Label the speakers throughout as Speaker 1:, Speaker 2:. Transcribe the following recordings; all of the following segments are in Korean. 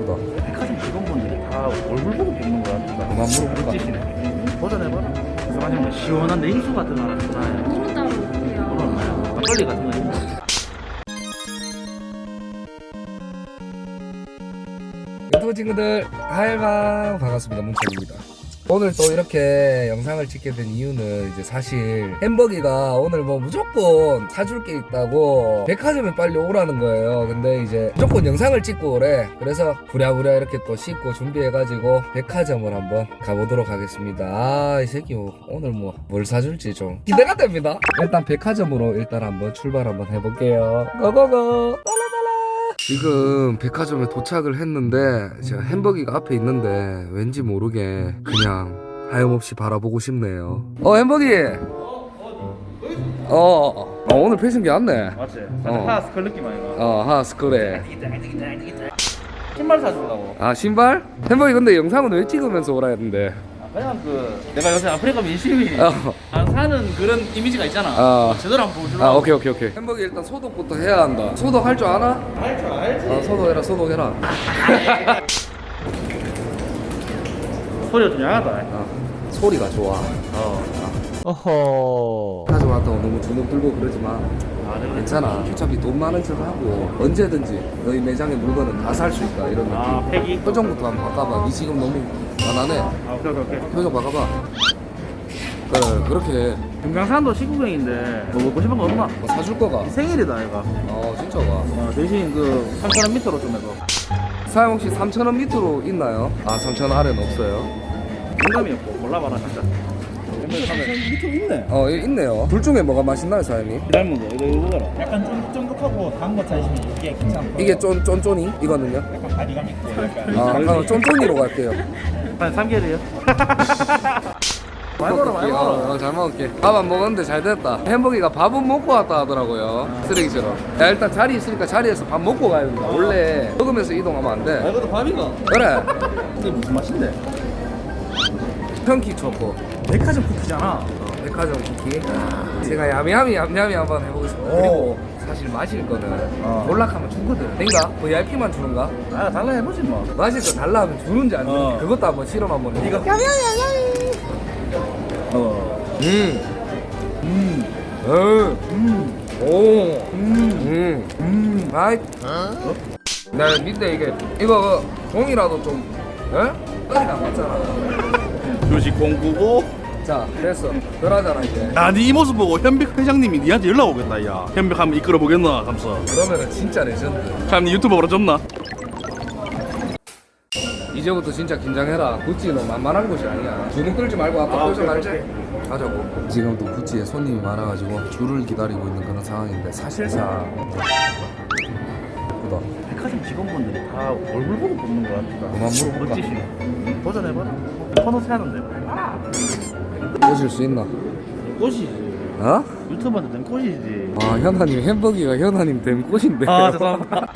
Speaker 1: 예쁘다.
Speaker 2: 백화점 직원분들이 다 얼굴 보고 뽑는 거 같다.
Speaker 1: 그만 물어볼까?
Speaker 2: 멋지시네. 도전해봐라. 그래서 만약에 시원한 냉수 같은 거 하나 주나요?
Speaker 3: 물은 따로
Speaker 2: 물은
Speaker 3: 없고요.
Speaker 2: 없나요? 막걸리 같은 거 있나요?
Speaker 1: 유튜브 친구들 하이방 반갑습니다. 뭉쳐입니다. 오늘 또 이렇게 영상을 찍게 된 이유는 이제 사실 햄버기가 오늘 뭐 무조건 사줄 게 있다고 백화점에 빨리 오라는 거예요. 근데 이제 무조건 영상을 찍고 오래. 그래서 부랴부랴 이렇게 또 씻고 준비해가지고 백화점을 한번 가보도록 하겠습니다. 아, 이 새끼 오늘 뭐 뭘 사줄지 좀 기대가 됩니다. 일단 백화점으로 일단 한번 출발 한번 해볼게요. 고고고. 지금 백화점에 도착을 했는데 제가 햄버기가 앞에 있는데 왠지 모르게 그냥 하염없이 바라보고 싶네요. 햄버기. 오늘 패션기 왔네.
Speaker 2: 맞지? 하스컬 느낌 아이가?
Speaker 1: 하스컬에.
Speaker 2: 신발 사준다고.
Speaker 1: 아, 신발? 햄버기 근데 영상은 왜 찍으면서 오라 했는데?
Speaker 2: 그냥 내가 요새 아프리카 민심이 안 사는 그런 이미지가 있잖아. 제대로 한번 보여주려고.
Speaker 1: 오케이. 햄버기 일단 소독부터 해야 한다. 소독 할 줄 아나?
Speaker 2: 알지.
Speaker 1: 소독해라.
Speaker 2: 소리가 좀 야하다.
Speaker 1: 소리가 좋아.
Speaker 2: 어허.
Speaker 1: 가져왔다고 너무 주눅 들고 그러지 마. 괜찮아. 어차피 돈 많은 척 하고 언제든지 너희 매장의 물건은 다 살 수 있다 이런 느낌.
Speaker 2: 폐기.
Speaker 1: 표정부터 한번 바꿔봐. 니 지금 너무 가난해.
Speaker 2: 오케이.
Speaker 1: 표정 바꿔봐. 그래, 그렇게
Speaker 2: 금강산도 시구경인데 뭐 먹고 싶은 거 없나?
Speaker 1: 뭐 사줄 거가.
Speaker 2: 생일이다 얘가.
Speaker 1: 진짜가.
Speaker 2: 대신 그 3,000원 밑으로 좀 해서.
Speaker 1: 사장 혹시 3,000원 밑으로 있나요? 3,000원 아래는 없어요.
Speaker 2: 농담이었고 골라봐라 진짜. 밑으로 있네.
Speaker 1: 있네요. 둘 중에 뭐가 맛있나요, 사장님?
Speaker 2: 닮은 거 이거 보거라.
Speaker 4: 약간 쫀득하고 단 거 찾으시면 이게 괜찮고
Speaker 1: 이게 쫀쫀이? 이거는요?
Speaker 4: 약간 바디감 있고 약간
Speaker 1: 쫀쫀이로 갈게요.
Speaker 2: 한 3개월이요. 많이 먹어.
Speaker 1: 잘 먹을게. 밥 안 먹었는데 잘 됐다. 햄버기가 밥은 먹고 왔다 하더라고요. 쓰레기처럼. 야, 일단 자리 있으니까 자리에서 밥 먹고 가야 된다. 원래 먹으면서 이동하면 안 돼.
Speaker 2: 이것도 밥이가.
Speaker 1: 그래.
Speaker 2: 이게 무슨 맛인데?
Speaker 1: 편키 초코.
Speaker 2: 백화점 쿠키잖아.
Speaker 1: 백화점 쿠키. 제가 야미야미 한번 해보고 싶어요. 그리고 사실 마실 거는 몰락하면 주거든. 된가? VIP만 주는가?
Speaker 2: 달라 해보지 뭐.
Speaker 1: 마실 거 달라 하면 주는지 안 주는지 그것도 한번 실험 한번 해.
Speaker 2: 이거.
Speaker 1: 아이. 나 밑에 이거 종이라도 좀, 떨이 안 맞잖아.
Speaker 2: 조식 공구고.
Speaker 1: 자, 됐어. 그러잖아 이제.
Speaker 2: 네 모습 보고 현백 회장님이 니한테 연락 오겠다 야. 현백 한번 이끌어 보겠나 하면서.
Speaker 1: 그러면은 진짜 레전드.
Speaker 2: 참 유튜버로 졌나?
Speaker 1: 이제부터 진짜 긴장해라. 구찌는 만만한 곳이 아니야. 주눅 들지 말고 아까 표정 알지? 가자고. 지금 또 구찌에 손님이 많아가지고 줄을 기다리고 있는 그런 상황인데 사실상 예쁘다.
Speaker 2: 백화점 직원분들이 다 얼굴 보고 뽑는 거 같다.
Speaker 1: 그만 물어볼까?
Speaker 2: 멋지시네. 도전해봐라. 퍼노스 하는데.
Speaker 1: 보실 수 있나?
Speaker 2: 꽃이지. 유튜버한테 된 꽃이지.
Speaker 1: 현아님 햄버기가 현아님 된 꽃인데.
Speaker 2: 죄송합니다.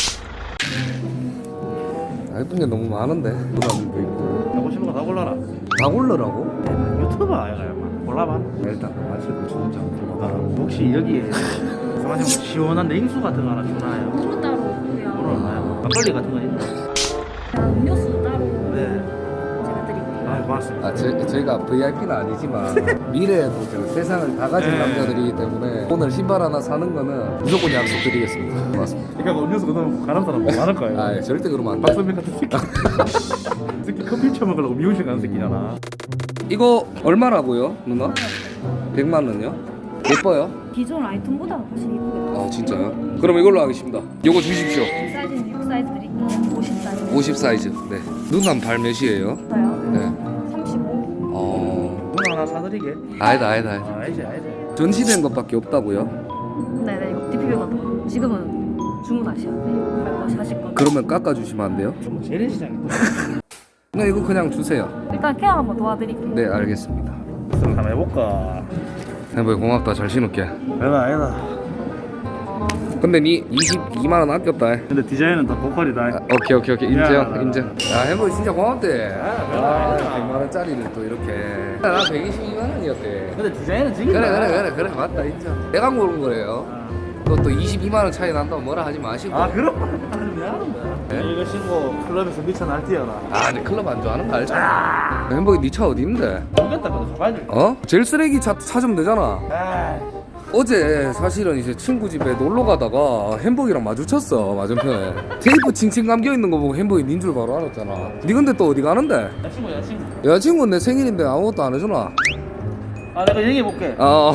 Speaker 1: 예쁜 게 너무 많은데. 부담도 있고.
Speaker 2: 하고 싶은 거 다 골라라.
Speaker 1: 다 고르라고?
Speaker 2: 유튜버 아이가 골라봐.
Speaker 1: 일단 마실 거 주는 장
Speaker 2: 혹시 여기에 마지막 시원한 냉수 같은 거 하나 주나요?
Speaker 3: 물은 따로 없고요.
Speaker 2: 물은 없나요? 막걸리 같은 거 있나요?
Speaker 3: 음료수 따로
Speaker 2: 네.
Speaker 3: 제가 드릴게요.
Speaker 2: 고맙습니다.
Speaker 1: 저희가 VIP는 아니지만 미래에도 세상을 다 가진
Speaker 2: 네.
Speaker 1: 남자들이기 때문에 오늘 신발 하나 사는 거는 무조건 약속드리겠습니다. 고맙습니다.
Speaker 2: 그러니까 음료수 그러면 가는 사람 많을 거예요.
Speaker 1: 절대 그러면 안 돼.
Speaker 2: 박선민 같은 새끼. 새끼 커피 처먹으려고 미용실 가는 새끼잖아.
Speaker 1: 이거 얼마라고요, 누나? 100만 원요? 예뻐요?
Speaker 3: 기존 아이템보다 훨씬 이쁘게 나와요.
Speaker 1: 진짜요? 그럼 이걸로 하겠습니다. 요거 주십시오.
Speaker 3: 사이즈는 6 사이즈 드릴게요. 50 사이즈.
Speaker 1: 50 사이즈. 네. 누나 발 몇이에요?
Speaker 3: 저요?
Speaker 1: 네.
Speaker 3: 35.
Speaker 2: 누나 하나 사드리게.
Speaker 1: 아니다.
Speaker 2: 알지.
Speaker 1: 전시된 것밖에 없다고요?
Speaker 3: 네네, 이거 DPB거든요. 지금은 주문하셔야 돼요. 갈 것이 하실 거.
Speaker 1: 그러면 깎아주시면 안 돼요?
Speaker 2: 좀 재래시장인데.
Speaker 1: 네, 이거 그냥 주세요.
Speaker 3: 일단 케어 한번 도와드릴게요.
Speaker 1: 네, 알겠습니다.
Speaker 2: 한번 해볼까.
Speaker 1: 햄버기 고맙다. 잘 신을게.
Speaker 2: 아니다.
Speaker 1: 근데 니 22만 원 아꼈다.
Speaker 2: 근데 디자인은 다 보컬이다.
Speaker 1: 오케이. 인정.
Speaker 2: 야.
Speaker 1: 인정. 야, 햄버기 진짜 고맙대. 100만 원짜리를 또 이렇게. 나 122만 원이었대.
Speaker 2: 근데 디자인은 지금.
Speaker 1: 그래. 맞다. 인정. 내가 고른 거예요. 또 22만 원 차이 난다고 뭐라 하지 마시고.
Speaker 2: 그럼 좀 야하는 거야. 이거 신고 클럽에서 미쳐 날뛰어라.
Speaker 1: 아, 내 클럽 안 좋아하는 거 알잖아. 햄버기 네 차 어디 있는데?
Speaker 2: 모르겠다. 근데 가봐야 돼.
Speaker 1: 어? 제일 쓰레기 차 찾으면 되잖아.
Speaker 2: 아,
Speaker 1: 어제 사실은 이제 친구 집에 놀러 가다가 햄버기랑 마주쳤어, 맞은편에. 테이프 칭칭 감겨 있는 거 보고 햄버기 닌 줄 바로 알았잖아. 니 근데 또 어디 가는데?
Speaker 2: 여자친구.
Speaker 1: 여자친구는 내 생일인데 아무것도 안 해주나?
Speaker 2: 아, 내가 얘기해볼게.
Speaker 1: 어.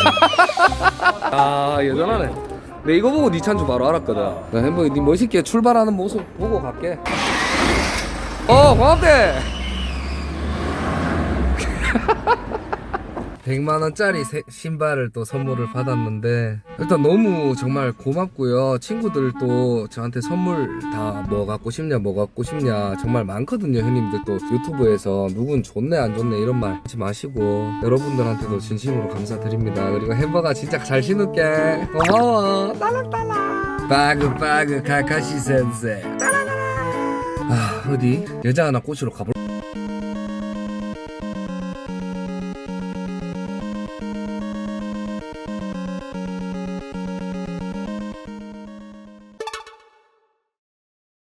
Speaker 1: 아, 여전하네. 내 이거 보고 니 차인 줄 바로 알았거든. 나 햄버기 니 멋있게 출발하는 모습 보고 갈게. 고맙대. 100만원짜리 신발을 또 선물을 받았는데 일단 너무 정말 고맙고요. 친구들도 저한테 선물 다 뭐 갖고 싶냐 뭐 갖고 싶냐 정말 많거든요. 형님들 또 유튜브에서 누군 좋네 안 좋네 이런 말 하지 마시고 여러분들한테도 진심으로 감사드립니다. 그리고 햄버거 진짜 잘 신을게. 고마워. 따라따라 빠그빠그 카카시 센세. 아, 어디 여자 하나 꼬시러 가볼.